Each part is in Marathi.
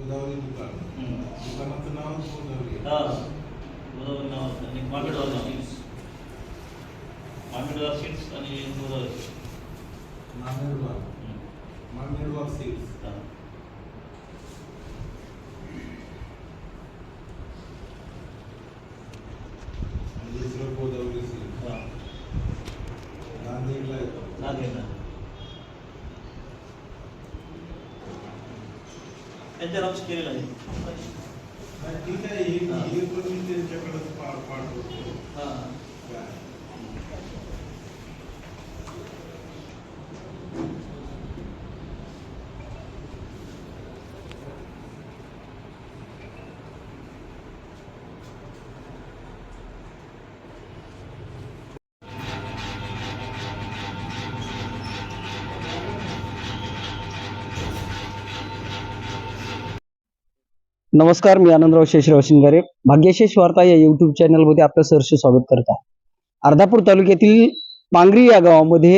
गोदावरी दुकान दुकानाचं नाव गोदावरी हा गोदावरी नाव आणि मामिडवार नाव मामिडवार सीड्स आणि गोदावरी मामेडवार सीड्स आणि दुसरं गोदावरी सीड्स नांदेडला येतो नांदेडला त्यांच्या नावच केलेलं आहे. ठीक आहे हे पण मी त्यांच्याकडे पाठवतो. हां नमस्कार, मी आनंदराव शेषराव शिंगारे. भाग्यशेष वार्ता या युट्यूब चॅनलमध्ये आपलं सहर्ष स्वागत करत आहे. अर्धापूर तालुक्यातील पांगरी या गावामध्ये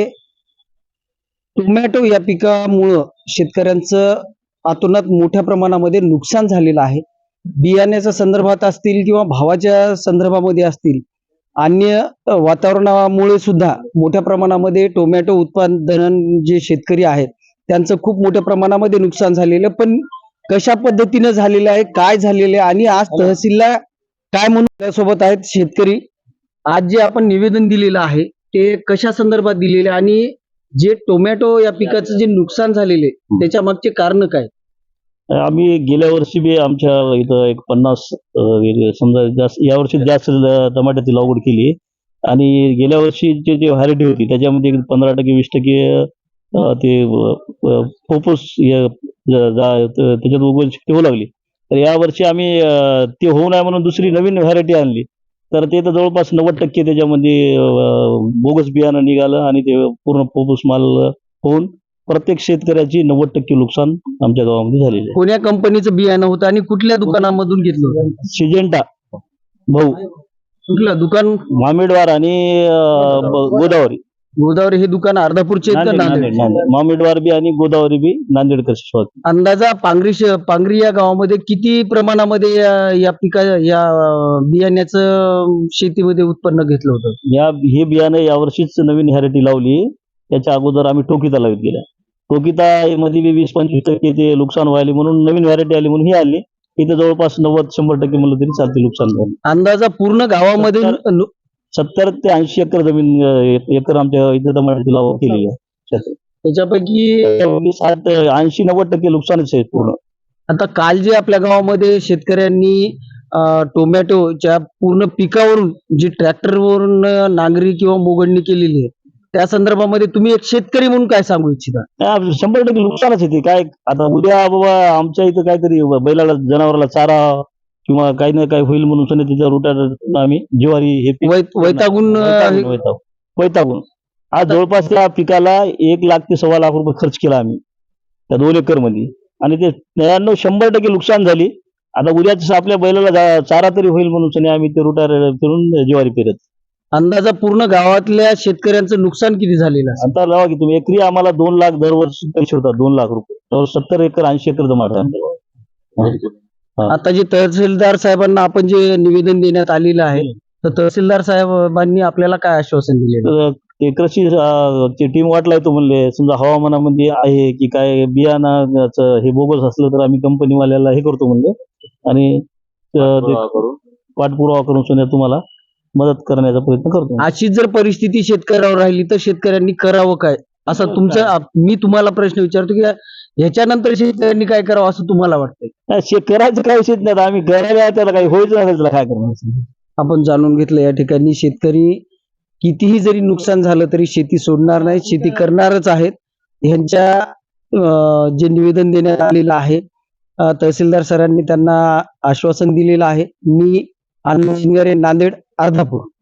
टोमॅटो या पिकामुळं शेतकऱ्यांचं अतोनात मोठ्या प्रमाणामध्ये नुकसान झालेलं आहे. बियाण्याच्या संदर्भात असतील किंवा भावाच्या संदर्भामध्ये असतील, अन्य वातावरणामुळे सुद्धा मोठ्या प्रमाणामध्ये टोमॅटो उत्पादन जे शेतकरी आहेत त्यांचं खूप मोठ्या प्रमाणामध्ये नुकसान झालेलं. पण कशा पद्धतीने झालेलं आहे, काय झालेलं आहे आणि आज तहसीलला काय म्हणून त्यासोबत आहेत शेतकरी. आज जे आपण निवेदन दिलेलं आहे ते कशा संदर्भात दिलेले आणि जे टोमॅटो या पिकाचं जे नुकसान झालेले त्याच्या मागचे कारण काय? आम्ही गेल्या वर्षी बी आमच्या इथं एक 50 समजा जास्त यावर्षी जास्त टमाट्याची लागवड केली आणि गेल्या वर्षीची जी व्हरायटी होती त्याच्यामध्ये 15% 20% ते फोपस त्याच्यात उगवण शक्ती होऊ लागली. तर यावर्षी आम्ही ते होऊ नये म्हणून दुसरी नवीन व्हरायटी आणली. तर ते तर जवळपास 90% त्याच्यामध्ये बोगस बियाणं निघालं आणि ते पूर्ण फोपस माल होऊन प्रत्येक शेतकऱ्याची 90% नुकसान आमच्या गावामध्ये झालेलं आहे. कोण्या कंपनीचं बियाणं होतं आणि कुठल्या दुकानामधून घेतलं होतं? सिजेंटा भाऊ कुठलं दुकान? मामिडवार आणि गोदावरी. गोदावरी हे दुकान अर्धापूरचे आहेत का नांदेड? मामिडवार बी आणि गोदावरी बी नांदेडकर. अंदाजा पांगरी या गावामध्ये किती प्रमाणामध्ये या बियाण्याचं शेतीमध्ये उत्पन्न घेतलं होतं? हे बियाणं यावर्षीच नवीन व्हरायटी लावली. त्याच्या अगोदर आम्ही टोकिता लावत गेल्या. टोकिता मध्ये 20-25% ते नुकसान व्हायले म्हणून नवीन व्हरायटी आली म्हणून ही आली. इथं जवळपास 90-100% म्हणलं तरी चालते नुकसान झालं. अंदाजा पूर्ण गावामध्ये 70 ते 80 एकर जमीन एकर आमच्या इथं टमाट्याची लागवड केलेली आहे. त्याच्यापैकी 80-90% नुकसानच आहे पूर्ण. आता काल जे आपल्या गावामध्ये शेतकऱ्यांनी टोमॅटोच्या पूर्ण पिकावरून जी ट्रॅक्टरवरून नांगरी किंवा मोगडणी केलेली आहे त्या संदर्भामध्ये तुम्ही एक शेतकरी म्हणून काय सांगू इच्छिता? 100% नुकसानच येते. काय आता उद्या बाबा आमच्या इथं काहीतरी बैलाला जनावराला चारा किंवा काही ना काही होईल म्हणून त्याच्या रुटात आम्ही ज्वारी हे वैतागून आज जवळपास त्या पिकाला 1 लाख ते 1.25 लाख रुपये खर्च केला आम्ही त्या 2 एकर मध्ये आणि ते 100% नुकसान झाली. आता उद्याच आपल्या बैलाला चारा तरी होईल म्हणून आम्ही ते रुटा फिरून ज्वारी पेरत. अंदाजा पूर्ण गावातल्या शेतकऱ्यांचं नुकसान किती झालेलं आहे? आता लावा की तुम्ही एकरी आम्हाला 2 लाख दरवर्षी पैसे होतात. 2 लाख रुपये 70 एकर 80 एकर जमा. आता जे तहसीलदार साहेबांना आपण जे निवेदन देण्यात आलेलं आहे तर तहसीलदार साहेबांनी आपल्याला काय आश्वासन दिले? ते कृषी टीम वाटला येतो म्हणले. समजा हवामानामध्ये आहे की काय बियाणाचं हे बोगस असलं तर आम्ही कंपनीवाल्याला हे करतो म्हणले आणि पाठपुरावा करून तुम्हाला मदत करण्याचा प्रयत्न करतो. अशी जर परिस्थिती शेतकऱ्यावर राहिली तर शेतकऱ्यांनी करावं काय असं मी तुम्हाला प्रश्न विचारतो की ह्याच्यानंतर शेतकऱ्यांनी काय करावं असं तुम्हाला वाटतंय? करायचं काय विषय नाही. आम्ही करायला त्याला काही होईच नाही त्याला काय करणार. आपण जाणून घेतलं या ठिकाणी शेतकरी कितीही जरी नुकसान झालं तरी शेती सोडणार नाही, शेती करणारच आहेत. ह्यांच्या जे निवेदन देण्यात आलेलं आहे तहसीलदार सरांनी त्यांना आश्वासन दिलेलं आहे. मी आनंद शिंगारे, नांदेड, अर्धापूर.